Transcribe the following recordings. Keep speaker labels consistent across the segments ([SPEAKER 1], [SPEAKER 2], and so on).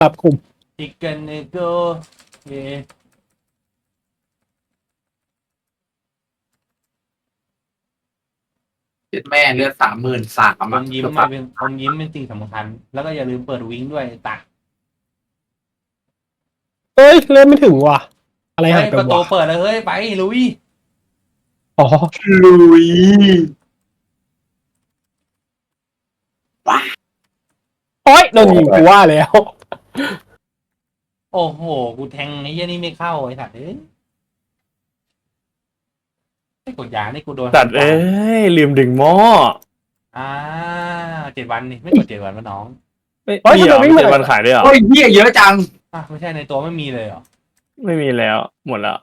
[SPEAKER 1] ปรับกลุ่ม
[SPEAKER 2] ทิกเกิลเนโกเอ
[SPEAKER 3] เจ็ดแม่เลือด33,000
[SPEAKER 2] อมยิ้มไม่เป็นอมยิ้มเป็นสิ่งสำคัญแล้วก็อย่าลืมเปิดวิงด้วยตัก
[SPEAKER 1] เอ้ยเล่นไม่ถึงว่ะอะไรหายไป
[SPEAKER 2] ประตู
[SPEAKER 1] วะ
[SPEAKER 2] เปิดเลยเฮ้ยไปลุย
[SPEAKER 1] อ๋อ
[SPEAKER 3] ลุย
[SPEAKER 1] โอ้ยโดนยิงกูว่าแล้ว
[SPEAKER 2] โอ้โหกูแทงไอ้เหี้ยนี่ไม่เข้าไอ้สัตว์ไอ้กดยานี่กูโดน
[SPEAKER 4] ตัดเอ้ยลืมดึงหม้อ
[SPEAKER 2] 7 วันนี่ไม่กด7 วันวะน้อง
[SPEAKER 4] ไม่มีเหรอมี7 วันขายด้วยเหรอ
[SPEAKER 3] โอ้ยเหี้ยเยอะจัง
[SPEAKER 2] ไม่ใช่ในตัวไม่มีเลยเหรอ
[SPEAKER 4] ไม่มีแล้วหมดแล้ว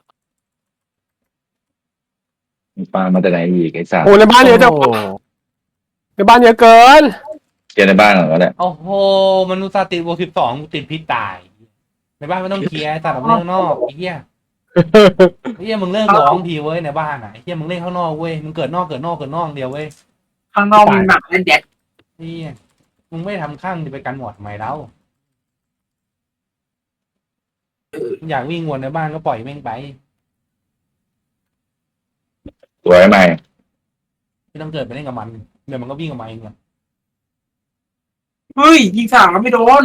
[SPEAKER 5] ปลามาแต่ไหนอีกไอ้สัตว์
[SPEAKER 1] โอ้ในบ้านเยอะจัง
[SPEAKER 4] โอ้
[SPEAKER 1] ในบ้านเยอะเกิน
[SPEAKER 5] เจอในบ้านเหรอเนี่ย
[SPEAKER 2] โอ้โหมนุษย์ติดบวก 12กูติดพิษตายในบ้านไม่ต้องเคลียร์ตัดออกมาเล่นข้างนอกไอ้เหี้ยมึงเลิกร้องทีเว้ยในบ้านไอ้เหี้ยมึงเล่นข้างนอกเว้ยมึงเกิดนอกเดียวเว้ย
[SPEAKER 3] ข้างนอกมีหนักเล่นแดด
[SPEAKER 2] เหี้ยมึงไม่ทำข้างจะไปกันหมดทำไมเล่าอยากวิ่งวนในบ้านก็ปล่อยแม่งไป
[SPEAKER 5] สวยไหม
[SPEAKER 2] ไม่ต้องเกิดไปเล่นกับมันเดี๋ยวมันก็วิ่งออกมาเองแหละ
[SPEAKER 3] เฮ้ยยิงสามแล้วไม่โดน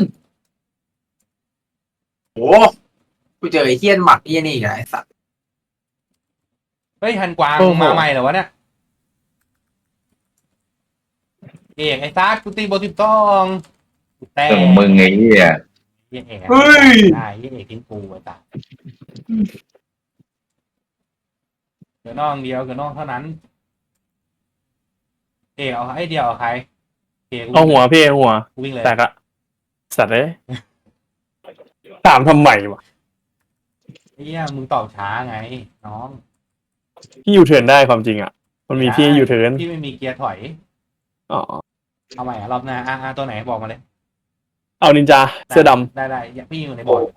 [SPEAKER 3] โอ้กูเจอไอ้เหี้ยนหมัดนี่นี่ไอ้สัตว์
[SPEAKER 2] เฮ้ยฮันกวางมาใหม่เหรอวะเนี่ยเอกไอ้ซัดกูตีบวก 12แต่
[SPEAKER 5] เรื่องของมึงไอ้เหี้ย
[SPEAKER 2] เหี้ยเอก
[SPEAKER 3] เฮ้ย
[SPEAKER 2] ได้เหี้ยเอกทิ้งกูไอ้ตาเกิดนอกเดียวเกิดนอกเท่านั้นเอกเอาไอ้เดียวเอาใครเอก
[SPEAKER 4] เอาหัวพี่เอาหัว
[SPEAKER 2] กูวิ่งเลย
[SPEAKER 4] แตกอะสัตว์เอ้ยถามทำไมวะ
[SPEAKER 2] ไอ้เหี้ยมึงตอบช้าไงน้อง
[SPEAKER 4] พี่ยูเทิร์นได้ความจริงอะมันมีพี่ยูเทิร์น
[SPEAKER 2] พี่ไม่มีเกียร์ถอย
[SPEAKER 4] อ๋อ
[SPEAKER 2] เอาใหม่รอบหน้าตัวไหนบอกมาเลย
[SPEAKER 4] เอานินจาเสื้อด
[SPEAKER 2] ได้พี่อยู่ในบอร์ด
[SPEAKER 3] โอ้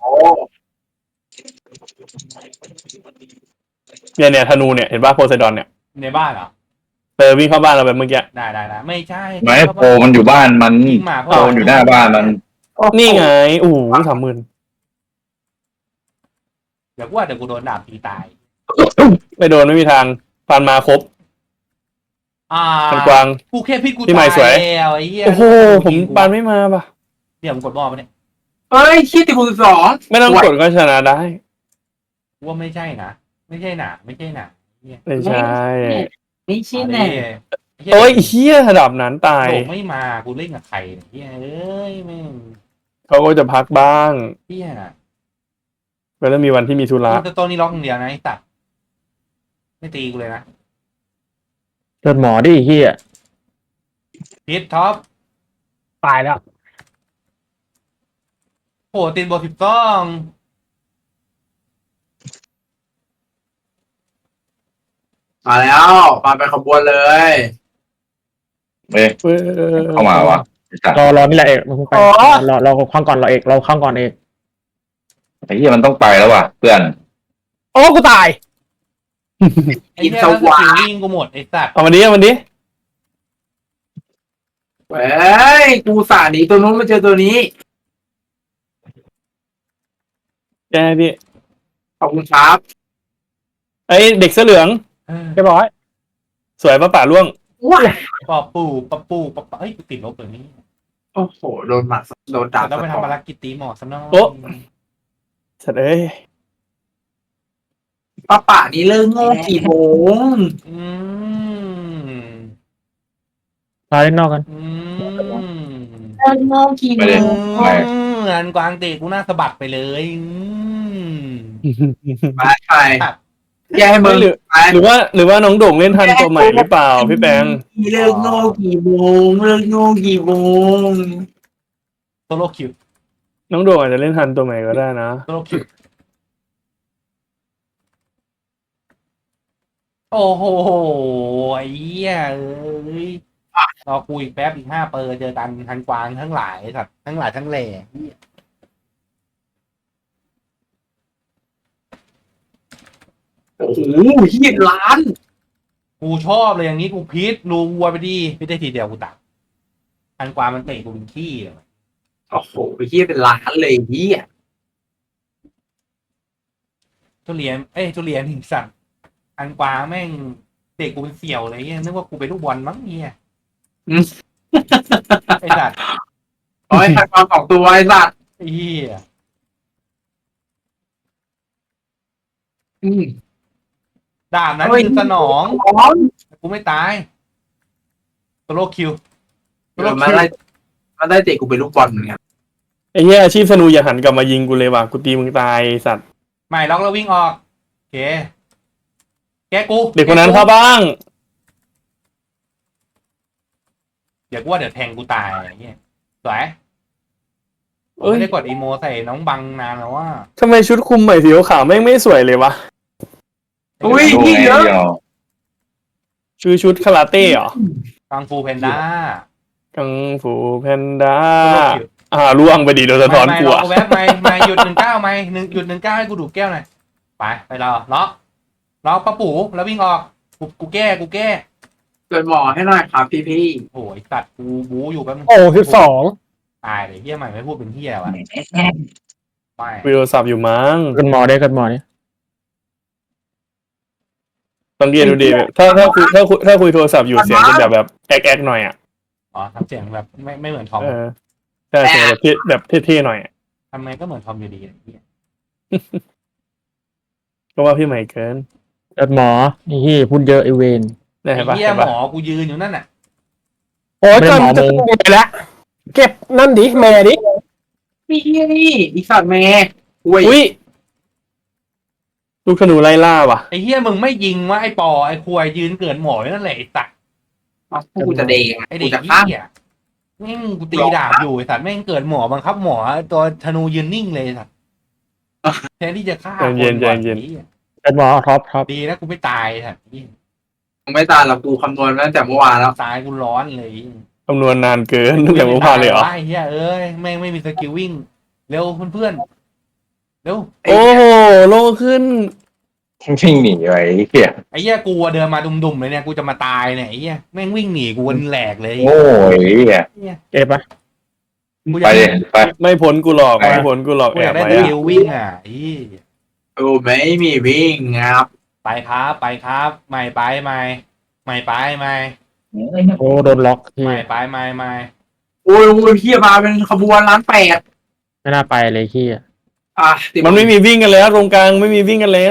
[SPEAKER 4] ำเนี่ยธนูเนี่ยเห็นป่ะโพไซดอนเนี่ย
[SPEAKER 2] ในบ้านเหรอ
[SPEAKER 4] วิ่งเข้าบ้านเราแบบเมื่อกี้
[SPEAKER 2] ได้ไม่ใช่
[SPEAKER 5] ไม่โปรมันอยู่บ้านมัน
[SPEAKER 2] ยิงหมา
[SPEAKER 5] โปรมันอยู่หน้าบ้านมัน
[SPEAKER 4] นี่ไงโอ้โห30,000
[SPEAKER 2] เดี๋ยวกูโดนดาบตีตาย
[SPEAKER 4] ไม่โดนไม่มีทางฟันมาครบพันกวาง
[SPEAKER 2] กูแค่พิษกู
[SPEAKER 4] พี่ใหม่
[SPEAKER 2] ตาย
[SPEAKER 4] สวย
[SPEAKER 2] แล้วไอ้เหี้ย
[SPEAKER 4] โอ้โหผมปานไม่มาป่ะ
[SPEAKER 2] เดี๋ยวมึงกดบอลปะเนี่ย
[SPEAKER 3] เฮ้ยคิดติด12
[SPEAKER 4] ไม่ต้องกดก็ชนะได้
[SPEAKER 2] กูว่าไม่ใช่นะไม่ใช่หนา
[SPEAKER 4] ไม่ใช่
[SPEAKER 3] ไม่ใช่แน่
[SPEAKER 4] โอ้ยเฮี้ยระดับนั้นตาย
[SPEAKER 2] โดไม่มากูเล่นกับใครเนี่ยเอ้ยแม่ง
[SPEAKER 4] เขาก็จะพักบ้าง
[SPEAKER 2] เหี้ย
[SPEAKER 4] เวลามีวันที่มีธุระ
[SPEAKER 2] ตัวนี้ล็อกอย่างเดียวนะไอ้ตัดไม่ตีกูเลยนะ
[SPEAKER 6] เกิดหมอดิเฮีย
[SPEAKER 2] พิษท็อป
[SPEAKER 1] ตายแล้ว
[SPEAKER 2] โหติดบวก 12
[SPEAKER 3] มาแล้วมาเป็นขบวนเลย
[SPEAKER 5] เว้ยเข้ามาวะไอ้สัตว์
[SPEAKER 6] รอนี่แหละเอกมึงไปรอข้างก่อนเราเอกเราข้างก่อนเอก
[SPEAKER 5] ไอ้เหี้ยมันต้องไปแล้วว่ะเพื่อน
[SPEAKER 1] โอ้กูตาย
[SPEAKER 2] ไอ้เหี้ยแล้วสกิลวิ่งกูหมดไอ้สัตว์
[SPEAKER 4] เอามันดิ
[SPEAKER 3] เฮ้ยกูสาหนีตัวนู้นมาเจอตัวนี้
[SPEAKER 4] แกพี่
[SPEAKER 3] ขอบคุณครับ
[SPEAKER 4] ไอ้เด็กเสื้อเหลือง
[SPEAKER 1] เรียบร้อย
[SPEAKER 4] สวยป่ะป่าล่วง
[SPEAKER 3] ว้า
[SPEAKER 2] ปอปูเฮ้ยกูติดลบเลยนี่
[SPEAKER 3] โอ้โหโดนหมัดโดนดาบ
[SPEAKER 2] ต้องไปทำภารกิจตีหมอซะหน่อย
[SPEAKER 4] โอ๊ะ สัตว์เอ้ย
[SPEAKER 3] ป้าป่านี่เลิกโง่กี่โมง
[SPEAKER 2] อืม
[SPEAKER 6] มาเล่นนอกกัน
[SPEAKER 2] อืม
[SPEAKER 3] เลิกโง่กี่โม
[SPEAKER 5] ไม่ได้
[SPEAKER 3] ง
[SPEAKER 5] ไม่
[SPEAKER 2] งานกวางเตะกูหน้าสะบัดไปเลย
[SPEAKER 3] ไปแย่ให้มึง
[SPEAKER 4] หรือ
[SPEAKER 3] ไป
[SPEAKER 4] หรือว่าน้องโด่งเล่นทันตัวใหม่หรือเปล่าพี่แปง
[SPEAKER 3] เลิกโง่กี่โมงเลิกโง่กี่โมง
[SPEAKER 2] โซโลคิว
[SPEAKER 4] น้องโด่งอาจจะเล่นทันตัวใหม่ก็ได้นะ
[SPEAKER 2] โซโลคิวโอ้โหไอ้เหี้ยเอ้ยรอคุยแป๊บอีก5 เปอร์เจอกันทันกวางทั้งหลายสัตว์ทั้งหลายทั้งแหล่
[SPEAKER 3] โอ้โห20 ล้าน
[SPEAKER 2] กูชอบเลยอย่างนี้กูพีทรูวัวไปดิไม่ได้ทีเดียวกูตักทันกวางมันเตะกูเป็นขี้เลย
[SPEAKER 3] โอ้โหไอ้เหี้ยเป็นล้านเลยไอ้เหี้ย
[SPEAKER 2] ทุเรียนทุเรียนหินสัตว์อันกวางแม่งเตะกูเป็นเสี่ยวเลยเงี้ยนึกว่ากูเป็นลูกบอลมั้งเงี้ยไอ้สัตว์
[SPEAKER 3] โอ้ยหักความของตัวไอ้สัตว์
[SPEAKER 2] ไอ้เหี้ย
[SPEAKER 3] อืม
[SPEAKER 2] ดาบนั้นคือสนองกูไม่ตายตัวโลคิว
[SPEAKER 3] เออมาได้เตะกูเป็นลูกบอลเหมือนกัน
[SPEAKER 4] ไอ้เหี้ยอาชีพธนูอย่าหันกลับมายิงกูเลยว่ะกูตีมึงตายไอ้สัตว์
[SPEAKER 2] ไม่ล็อกแล้ววิ่งออกโอเคแกกู
[SPEAKER 4] เด็กคนนั้นเข้าบ้าง
[SPEAKER 2] เดี๋ยวกูว่าเดี๋ยวแทงกูตายไอ้เงี้ยสวย
[SPEAKER 4] เอ้ย
[SPEAKER 2] ไม่ได้กดอีโมใส่น้องบังนานแล้วว่า
[SPEAKER 4] ทำไมชุดคุมใหม่สีขาวแม่งไม่สวยเลยวะ
[SPEAKER 3] อุ้ย
[SPEAKER 5] ดู
[SPEAKER 3] พี่
[SPEAKER 5] ไง
[SPEAKER 3] เยอะ
[SPEAKER 5] เดียว
[SPEAKER 4] ชื่อชุดคาราเต้เหรอ
[SPEAKER 2] กังฟูเพนด้า
[SPEAKER 4] กังฟูแพนด้าล่วงไปดิโดนสะท้อน
[SPEAKER 2] ไม่
[SPEAKER 4] กู
[SPEAKER 2] รอ
[SPEAKER 4] อะ
[SPEAKER 2] กูแวบไม่หยุด19ไม่หยุด19ให้กูดูดแก้วหน่อยไปรอล็อกป้าปู่แล้ววิ่งออกกูแก้
[SPEAKER 3] เกิดหมอให้หน่อยครับพี่
[SPEAKER 2] โอ้ยตัดกูบูอยู่แป๊บนึง
[SPEAKER 1] โอ้12
[SPEAKER 2] ตายเลยเฮียใหม่ไม่พูดเป็นเฮียวะไม่
[SPEAKER 4] คุยโทรศัพท์อยู่มั้ง
[SPEAKER 6] กันหมอได้กันหมอนี่
[SPEAKER 4] สังเกตดูดิถ้าคุยโทรศัพท์อยู่เสียงจะแบบแอกหน่อยอ่ะ
[SPEAKER 2] อ๋อทำเสียงแบบไม่เหมือนทอม
[SPEAKER 4] ใช่เสียงแบบเท่ๆหน่อยอะ
[SPEAKER 2] ทำไมก็เหมือนทอมอยู่ดีเฮีย
[SPEAKER 4] ก็ว่าพี่ใหม่เกิน
[SPEAKER 6] กันหมอไอ้เหี้ยพูดเยอะไอเวน
[SPEAKER 4] ได้
[SPEAKER 2] ไอ้
[SPEAKER 4] ปะ
[SPEAKER 2] เฮีย
[SPEAKER 4] เห็น
[SPEAKER 2] หม
[SPEAKER 4] ปะ
[SPEAKER 2] อกูยืนอยู่นั่นน่ะ
[SPEAKER 1] โอ้ย
[SPEAKER 6] ไม่ได้
[SPEAKER 1] จน
[SPEAKER 6] หมอ
[SPEAKER 1] จะ
[SPEAKER 6] มึง
[SPEAKER 1] ไปแล้วเก็บนั่นดิแม่ดิ
[SPEAKER 3] ๆพี่นี่อีสัตว์แม่อุ้ย
[SPEAKER 4] อุ้ยลูกธนูไล่ล่าว่ะ
[SPEAKER 2] ไอ้เฮียมึงไม่ยิงว่าไอ้ปอไอ้ควายยืนเกินหมออยู่นั่นแหละไอ้ตัก
[SPEAKER 3] เอากูจะเดง
[SPEAKER 2] ไอ้
[SPEAKER 3] กู
[SPEAKER 2] เด็ก
[SPEAKER 3] จะฆ่า
[SPEAKER 2] เฮียแม่งกูตีดาบอยู่ไอ้สัตว์แม่งเกิดหมอบังคับหมอตัวธนูยืนนิ่งเลยไอ้สัตว์แทนที่จะฆ่าคนก่อนไอ้เหี้ย
[SPEAKER 6] กันหมอท็อป
[SPEAKER 2] ดีนะกูไม่ตายไอ้สัตว์เหี้ย
[SPEAKER 3] มึงไม่ตายหรอกกูคำนวณมาตั้งแต่เมื่อวานแล้ว
[SPEAKER 2] ตายกูร้อนเลย
[SPEAKER 4] คำนวณนานเกินตั้งแต่เมื่อวานเลยเหรอ
[SPEAKER 2] ไอ้เหี้ยเอ้ยแม่งไม่มีสกิลวิ่งเร็วเพื่อนๆเร็ว
[SPEAKER 4] โอ้โหโลขึ้น
[SPEAKER 5] วิ่งหนีไว้เหี้ย
[SPEAKER 2] ไอ้เหี้ยกูเดินมาดุมๆเลยเนี่ยกูจะมาตายเนี่ยไอ้เหี้ยแม่งวิ่งหนีกูวันแหลกเลย
[SPEAKER 5] โง่ไอ้เหี้ย
[SPEAKER 6] เก็บปะ
[SPEAKER 2] กูอ
[SPEAKER 5] ไป
[SPEAKER 2] ยาก
[SPEAKER 5] ดิไป
[SPEAKER 4] ไม่พ้นกูหลอกไม่พ้นกูหลอก
[SPEAKER 2] กู
[SPEAKER 4] แอ
[SPEAKER 2] อยา
[SPEAKER 4] บ
[SPEAKER 2] กได้
[SPEAKER 4] ไว้
[SPEAKER 2] ส
[SPEAKER 4] อะ
[SPEAKER 2] กิลวิ่งอ่ะไอ้เหี้ย
[SPEAKER 3] โอ้ไม่มีวิ่งครับ
[SPEAKER 2] ไปครับใหม่ไปใหม่ไปใหม่
[SPEAKER 6] โอ้โดนล็อกที่
[SPEAKER 2] ใหม่ไปใหม่
[SPEAKER 3] โอ้ยพี่มาเป็นขบวนล้านแปด
[SPEAKER 6] ไม่น่าไปเลยที่
[SPEAKER 4] มันไม่มีวิ่งกันแล้วตรงกลางไม่มีวิ่งกันแล้ว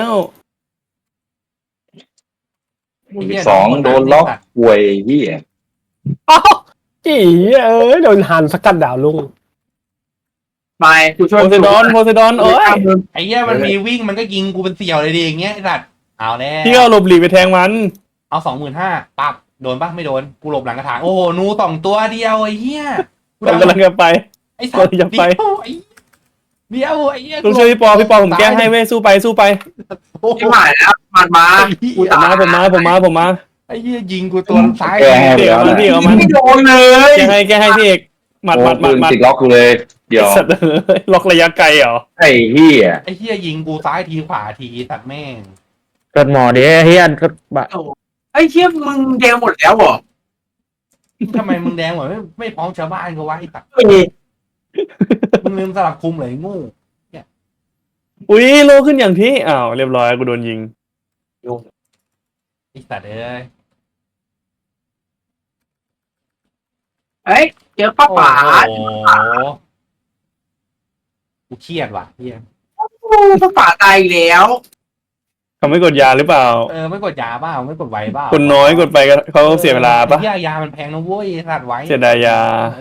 [SPEAKER 2] ไอ้เหี้ย
[SPEAKER 5] สองโดนล็อกป่วยเหี้ย
[SPEAKER 1] อ้าวอีเอ้ยโดนหันสกัดดาวลุง
[SPEAKER 3] ไปกูช่วย
[SPEAKER 4] โพไซดอนโอ้ย
[SPEAKER 2] ไอ้เหี้ยมันมีวิ่งมันก็ยิงกูเป็นเสี่ยวเลยดิอย่างเงี้ยไอ้สัตว์เอาแล้ว
[SPEAKER 4] พี่ก็เอาหลบหลีกไปแทงมัน
[SPEAKER 2] เอา25,000ปั๊บโดนปะไม่โดนกูหลบหลังกระถางโอ้โหนู2ตัวเดียวไอ้เหี้ย
[SPEAKER 4] ผมกำลังจะไป
[SPEAKER 2] ไอ้สัตว์
[SPEAKER 4] กำลังจะไป
[SPEAKER 2] เดียวไอ้เหี้ย
[SPEAKER 4] ลุงช่วยพี่ปอผมแก้ให้เว้ยสู้ไป
[SPEAKER 2] โอ้โห
[SPEAKER 3] ไม่หมายแล้วมันมากู
[SPEAKER 4] ผม
[SPEAKER 3] ตาย
[SPEAKER 4] ผมมา
[SPEAKER 2] ไอ้เหี้ยยิงกูตัวซ้าย
[SPEAKER 5] แก้ให้
[SPEAKER 4] พี่
[SPEAKER 5] แล้
[SPEAKER 4] เอา
[SPEAKER 5] ว
[SPEAKER 4] มัน
[SPEAKER 5] นะ
[SPEAKER 4] พี่เอามัน
[SPEAKER 3] ไม่โดนเลย
[SPEAKER 4] แก้ให้พี่เอกหมัด
[SPEAKER 5] โอ้ปืนติดล็อกกูเลย เดี๋ยว
[SPEAKER 4] สัตว์ล็อกระยะไกลเหรอ
[SPEAKER 5] ไอ้เหี้ย
[SPEAKER 2] ไอ้เหี้ยยิงกูซ้ายทีขวาทีตัดแม่ง
[SPEAKER 6] กันหมอเดี๋ยวเฮียก็บะ
[SPEAKER 3] ไอ้เชี่ยมึงแดงหมดแล้วเหรอ
[SPEAKER 2] ทำไมมึงแดงเหมือนไม่พร้อมชาวบ้านก็วะไอ้ตัด
[SPEAKER 3] เอ้ย
[SPEAKER 2] มึงลืมสลับคุมเลยงู
[SPEAKER 4] อุ้ยโลขึ้นอย่างที่อ้าวเรียบร้อยกูโดนยิง
[SPEAKER 2] ไอ้สัตว์เอ้ย
[SPEAKER 3] เอ้ยเจอป้าป๋า
[SPEAKER 2] โอ้โหกูเครียดว่ะเหี้ย
[SPEAKER 3] ป้าป๋าตายอีกแล้ว
[SPEAKER 4] เขาไม่กดยาหรือเปล่า
[SPEAKER 2] ไม่กดยาเปล่าไม่กดไวเปล่า
[SPEAKER 4] คนน้อยกดไปก็เขาเสียเวลาปะ
[SPEAKER 2] ไอ้เหี้ยยามันแพงนะเว้ยสัตว์ไว้
[SPEAKER 4] เสียดายยา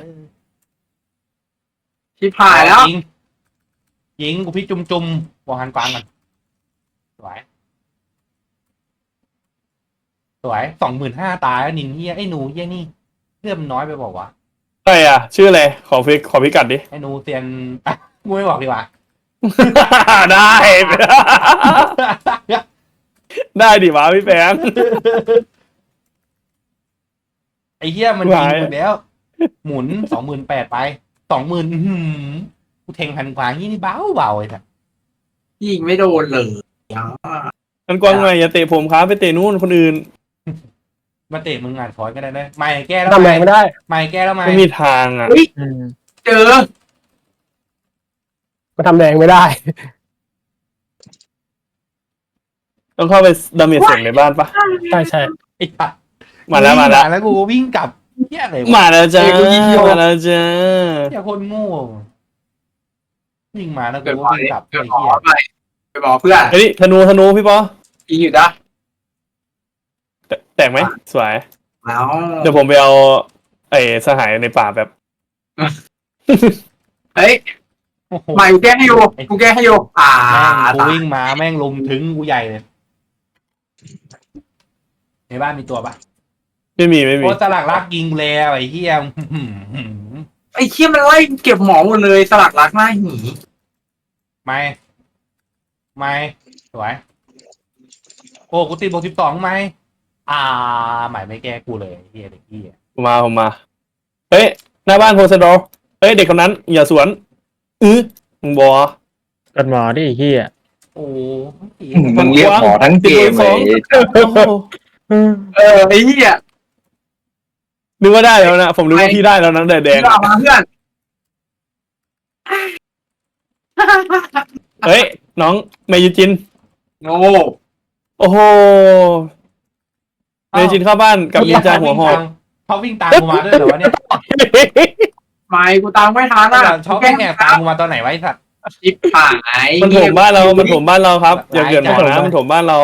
[SPEAKER 3] ชิบหายแล้ว
[SPEAKER 2] ยิงกูพี่จุ่มบอกหันกวางกันสวย25,000ตายแล้วนินเฮียไอ้หนูเฮียนี่เลือดมันน้อยไปบอกว่าวะ
[SPEAKER 4] ใช่อ่ะ ชื่ออะไรขอพิกัดดิ
[SPEAKER 2] ไอ้หนูเซียน กูไม่บอกดีกว่า
[SPEAKER 4] ได้ ได้ดิวะพี่แปง
[SPEAKER 2] ไอ้เฮียมันยิงหมดแล้ว หมุน28,000ไป20,000กูเทงพันกวางนี่เบาไอ้สัส
[SPEAKER 3] ยิงไม่โดนเลย
[SPEAKER 4] มันกว้างไงอย่าเตะผมครับไปเตะนู่นคนอื่น
[SPEAKER 2] มาเตะมึงอ่านฟอยก็ได้เลยไม่แก้แล้ว
[SPEAKER 1] ทำแรงไม่ได้
[SPEAKER 2] ไม่แก้แล้วไม่
[SPEAKER 4] ไม่มีทางอ่ะ
[SPEAKER 6] อืม
[SPEAKER 3] เจอ
[SPEAKER 1] มันทำแดงไม่ได้
[SPEAKER 4] ต้องเข้าไปดาเมจเสียงในบ้านปะ
[SPEAKER 1] ใช่ใช่
[SPEAKER 2] ไอ้สัตว์
[SPEAKER 4] มาแล้ว
[SPEAKER 2] แล้วกูก็วิ่งกลับเหี้ยอะไรวะ
[SPEAKER 4] มาแล้วจ้ามาแล้วจ้า
[SPEAKER 2] เหี้ยคนโง่วิ่งมาแล้วกู
[SPEAKER 3] เกิด
[SPEAKER 2] ก็
[SPEAKER 3] หมอ
[SPEAKER 2] วิ่งกลับ
[SPEAKER 3] เกิ
[SPEAKER 2] ไอ้
[SPEAKER 3] ดหมอ
[SPEAKER 2] เหี้ย
[SPEAKER 3] ไปไปบอกเพื่อน
[SPEAKER 4] เฮ้ยธนูพี่ปอ
[SPEAKER 3] อีอยู่นะ
[SPEAKER 4] แตกไหมสวย
[SPEAKER 3] แล้ว
[SPEAKER 4] เดี๋ยวผมไปเอาไอ้สหายในป่าแบบ
[SPEAKER 3] เฮ้ย
[SPEAKER 2] โอ้โห
[SPEAKER 3] ใหม่กูแก้ให้อยู่กูแก้ให้อยู่
[SPEAKER 2] แม่งกูวิ่งมาแม่งลุมถึงกูใหญ่เลยในบ้านมีตัวปะ
[SPEAKER 4] ไม่มี
[SPEAKER 2] โอ้สลักรักยิงแล้วไอ้เหี้ย
[SPEAKER 3] ไอ้เคี้ยมันไล่เก็บหมอหมดเลยสลักรักหน้าหี
[SPEAKER 2] ไม่สวยโอ้กูตีบวก12ไหมใหม่ไม่แก้กูเลยไอ้เหี้ยเด็กเหี้ย
[SPEAKER 4] ผมมาเฮ้ยหน้าบ้านโพสโดเฮ้ยเด็กคนนั้นอย่าสวนมึงบอ
[SPEAKER 6] กันหมอดิไอ้เฮีย
[SPEAKER 2] โอ้
[SPEAKER 5] มึงเรียกหมอทั้งเกมเลย
[SPEAKER 3] ไอ้เหี้ย
[SPEAKER 4] นึกว่าได้แล้วนะผมนึกว่าพี่ได้แล้วนะแดง
[SPEAKER 3] เพื่อนมาเพื่อน
[SPEAKER 4] เฮ้ยน้องเมยุจิน
[SPEAKER 3] โง่
[SPEAKER 4] โอ้โหเมยุจินเข้าบ้านกับนินจาหัวหอก
[SPEAKER 2] เขาวิ่งตามกูมาด้วยเหรอวะเนี่ย
[SPEAKER 3] ไม่กูตามไม่ทันอ่ะ
[SPEAKER 2] ชอบแอบตามกูมาตอนไหนไวะไอ้สัตว์
[SPEAKER 3] ชิบหาย
[SPEAKER 4] มันถมบ้านเราครับอย่าเกิดหมอนะมันถมบ้านเรา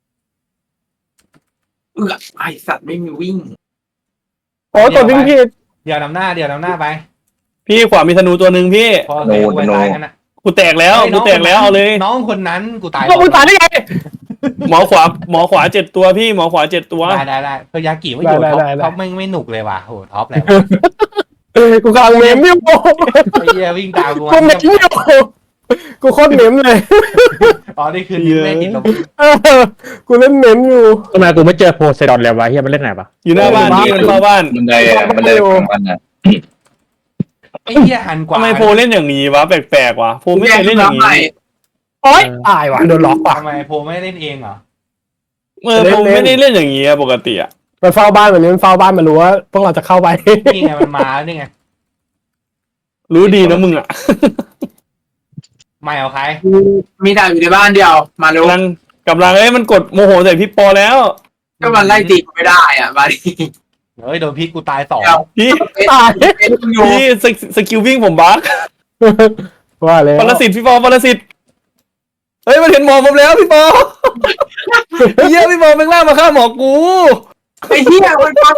[SPEAKER 3] ไอสัตว์ไม่มีวิ่ง
[SPEAKER 1] โอ้ตัววิ่งผิด
[SPEAKER 2] เดี๋ยวนำหน้าไป
[SPEAKER 4] พี่ขวามีธนูตัวหนึ่งพี่
[SPEAKER 2] พอเซฟไว้ตายกันนะ
[SPEAKER 4] กูแตกแล้วเอาเลย
[SPEAKER 2] น้องคนนั้นกูตาย
[SPEAKER 1] ก็มึงตายได้ไง
[SPEAKER 4] หมอขวา7 ตัวพี่หมอขวา7 ตัว
[SPEAKER 2] ได้เพื่อยากิว่าอยู่
[SPEAKER 1] ได้
[SPEAKER 2] ท็อปไม่หนุกเลยว่ะโหท็อปเลย
[SPEAKER 1] กูกำลังเมมอยู่
[SPEAKER 2] ไอ้เหี้ยวิ่งตามกู
[SPEAKER 1] กูเมมอยู่กูโคตรเมมเลย
[SPEAKER 2] อ๋อนี่คือนิ้วแม่ติดลม
[SPEAKER 1] กูเล่นเมมอยู่
[SPEAKER 6] ทำไมกูไม่เจอโพไซดอนเลยวะเฮียมันเล่นไหนปะ
[SPEAKER 4] อยู่หน้าบ้านพี่มันเข้าบ้าน
[SPEAKER 5] บันไดของมันอ่ะ
[SPEAKER 2] ไอ้เหี้ยหันกว่า
[SPEAKER 4] ทำไมโพเล่นอย่างนี้วะแปลกๆวะโพไม่เคยเล่นอย่างนี้
[SPEAKER 1] โอ๊ยตายว่ะโดนล็อกว่ะ
[SPEAKER 2] ทำไมโพไม่เล่นเองเหรอ
[SPEAKER 4] โพไม่ได้เล่นอย่างนี้ปกติอะ
[SPEAKER 1] มันเฝ้าบ้านแบบนี้มันเฝ้าบ้านมันรู้ว่าพวกเราจะเข้าไป
[SPEAKER 2] นี่ไงมันมานี่ไง
[SPEAKER 4] รู้ดีนะมึงอะ
[SPEAKER 2] ไม่เอาใคร
[SPEAKER 3] มีดาบอยู่ในบ้านเดียวมาเร็ว
[SPEAKER 4] กำลังมันกดโมโหใส่พี่ปอแล้ว
[SPEAKER 3] ก็มันไล่ตีไม่ได้อ่ะมาดิ
[SPEAKER 2] เฮ้ยโดนพิษกูตาย2
[SPEAKER 4] พี่
[SPEAKER 1] ตาย
[SPEAKER 3] เป็นอยู่
[SPEAKER 4] พี่สกิลวิ่งผมบั๊ก
[SPEAKER 1] ว่าเลย
[SPEAKER 4] ปรสิตพี่ปอปรสิตเฮ้ยมันเห็นหมอผมแล้วพี่ปอเยี่ยพี่ปอแม่งล่ามาฆ่าหมอกู
[SPEAKER 3] ไอ้เหี้ยมันมา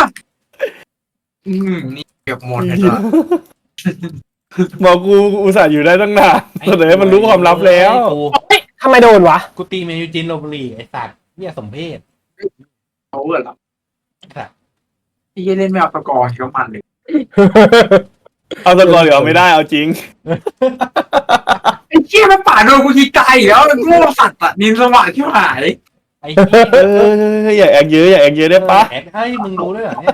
[SPEAKER 3] นี่เก็บหมดเลย
[SPEAKER 4] หมอกูอุตส่าห์อยู่ได้ตั้งนานแต่เดี๋ยวมันรู้ความลับแล้ว
[SPEAKER 1] ทำไมโดนวะ
[SPEAKER 2] กูตีเมนูจินโรบุรีไอ้สัตว์เนี่ยสมเพศ
[SPEAKER 3] เขาเหรอไอ้เหี้ยเล่นไม่เอาสกอร์ก็มันเลย
[SPEAKER 4] เอาสกอร์เดี๋ยวเอาไม่ได้เอาจริง
[SPEAKER 3] ไอ้เหี้ยมันป่าโดนกูทีไกลแล้วมันโง่สัตว์อ่ะนินสว่างที่หาย
[SPEAKER 2] ไอ้เหี้ย
[SPEAKER 4] อย่าแอกเยอะได้ปะ
[SPEAKER 2] แอดเฮ้ยมึงรู้ด้วยเหรอเนี่ย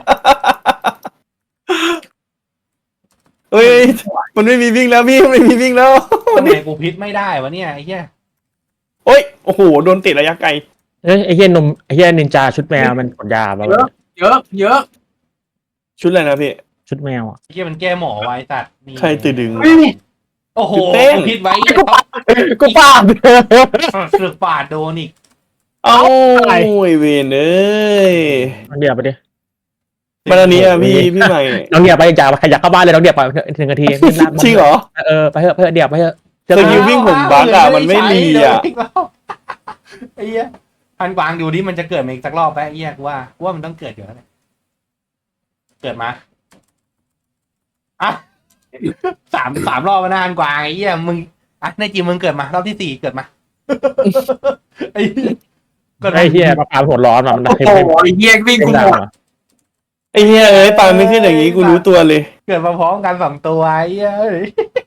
[SPEAKER 4] เฮ้ยมันไม่มีวิ่งแล้วพี่ไม่มีวิ่งแล้ว
[SPEAKER 2] ทำไมกูพิษไม่ได้วะเนี่ยไอ้เหี้ย
[SPEAKER 4] โอ้ยโอ้โหโดนติดระยะไกล
[SPEAKER 6] เฮ้ยไอ้เฮียนินจาชุดแมวมันกดยาปะวะ
[SPEAKER 3] เยอะ
[SPEAKER 4] ชุดอะไรนะพี่
[SPEAKER 6] ชุดแมวอ่ะ
[SPEAKER 2] ไอ้เหี้ยมันแก้หมอไว้สัตว์นี่
[SPEAKER 4] ใครตื่นดึง
[SPEAKER 2] โอ้โห
[SPEAKER 4] เต้น
[SPEAKER 2] พิษไว้
[SPEAKER 1] กูปาด
[SPEAKER 2] สึกปาดโดนอีก
[SPEAKER 4] เอ้า
[SPEAKER 1] อะไร
[SPEAKER 4] ไอเวนเอ้ย
[SPEAKER 6] น้องเดียบไปดิ
[SPEAKER 4] มาตอนนี้อะพี่ใหม่
[SPEAKER 6] น้องเดียบไปจ่าขยับเข้าบ้านเลยน้องเดียบไป1 นาที
[SPEAKER 4] จริงเหรอ
[SPEAKER 6] ไปเถอะเดียบไปเถอะ
[SPEAKER 4] สกิลวิ่งผมบั๊กอะมันไม่รีอะ
[SPEAKER 2] ไอ้เหี้ยพันกวางดูดิมันจะเกิดมาอีกสักรอบไปไอ้เหี้ยกูว่ามันต้องเกิดอยู่แล้วเนี่ยเกิดมาอ่ะสามรอบมานานกวางไอ้เหี้ยมึงอ่ะในจีมึงเกิดมารอบที่ 4เกิดมาไอ้เหี้ยเกิดมา
[SPEAKER 6] ไอ้เฮียปลาหัวร้อนมัน
[SPEAKER 3] โอ้โหไอ้เหี้ยวิ่ง
[SPEAKER 6] เป็น
[SPEAKER 3] กู
[SPEAKER 6] ดา
[SPEAKER 3] หม
[SPEAKER 6] ว
[SPEAKER 3] ด
[SPEAKER 4] ไอ้เหี้ยเอ้ยปลาไม่ขึ้นอย่างนี้กูรู้ตัวเลย
[SPEAKER 2] เกิดมาพร้อมกัน2 ตัวไอ้เหี้ยเอ้ย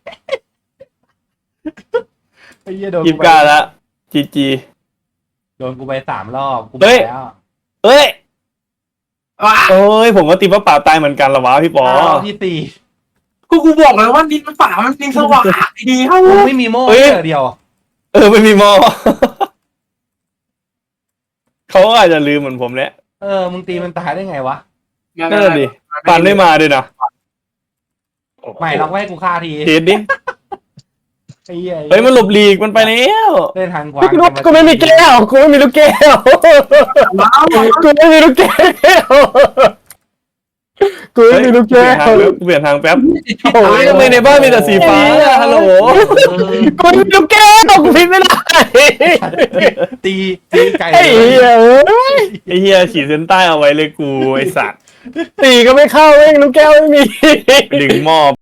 [SPEAKER 2] ไอ้เหี้ยโดน
[SPEAKER 4] ยิบกาละจี
[SPEAKER 2] โดนกูไป3 รอบกู
[SPEAKER 4] เฮ้
[SPEAKER 2] ไป
[SPEAKER 4] ย
[SPEAKER 2] แล้ว
[SPEAKER 4] เอ้ย
[SPEAKER 3] ว้า
[SPEAKER 4] โอ้ยผมก็ตีว่าป่าตายเหมือนกันละวะพี่ปอ
[SPEAKER 2] รอบที่
[SPEAKER 3] กูบอกเลยว่านินมันป่ามันนินสว่างดีเท่า
[SPEAKER 2] 4กูไม่มีโม่เดียว
[SPEAKER 4] ไม่มีหมอเขาก็อาจจะลืมเหมือนผมแหละ
[SPEAKER 2] มึงตีมันตายได้ไงวะ
[SPEAKER 4] นั่นแหละดิปันไม่มาด้วยนะ
[SPEAKER 2] ไม่ลองไว้กูฆ่าที
[SPEAKER 4] เทสดิ
[SPEAKER 2] ไอ้เหี้ย
[SPEAKER 4] เฮ้ยมันหลบหลีกมันไปแล้ว
[SPEAKER 2] เล่นทางขวา
[SPEAKER 1] กูไม่มีแก้วกูไม่มีลูกแก้วกูไม่มีลูกแก้วกูไม่มีลูก
[SPEAKER 4] เปลี่
[SPEAKER 1] แก้
[SPEAKER 4] ยนทาง
[SPEAKER 1] ว
[SPEAKER 4] แป๊บเปลี่ยนทางแป๊บ
[SPEAKER 1] โอ้
[SPEAKER 4] เฮ้ย
[SPEAKER 1] ย
[SPEAKER 4] ทำไมในบ้านมีแต่สีฟ้าอะฮัลโหล
[SPEAKER 1] กูไม่มีลูกแก้วกูพิมพ์ไม่ได้
[SPEAKER 2] ตีไก่
[SPEAKER 1] ไอ้เหี้ยเอ้ย
[SPEAKER 4] ไอ้เฮียขีดเส้นใต้เอาไว้เลยกูไอ้สัตว์
[SPEAKER 1] ตีก็ไม่เข้าเองลูกแก้วไม่มี
[SPEAKER 4] ดึงหม้อ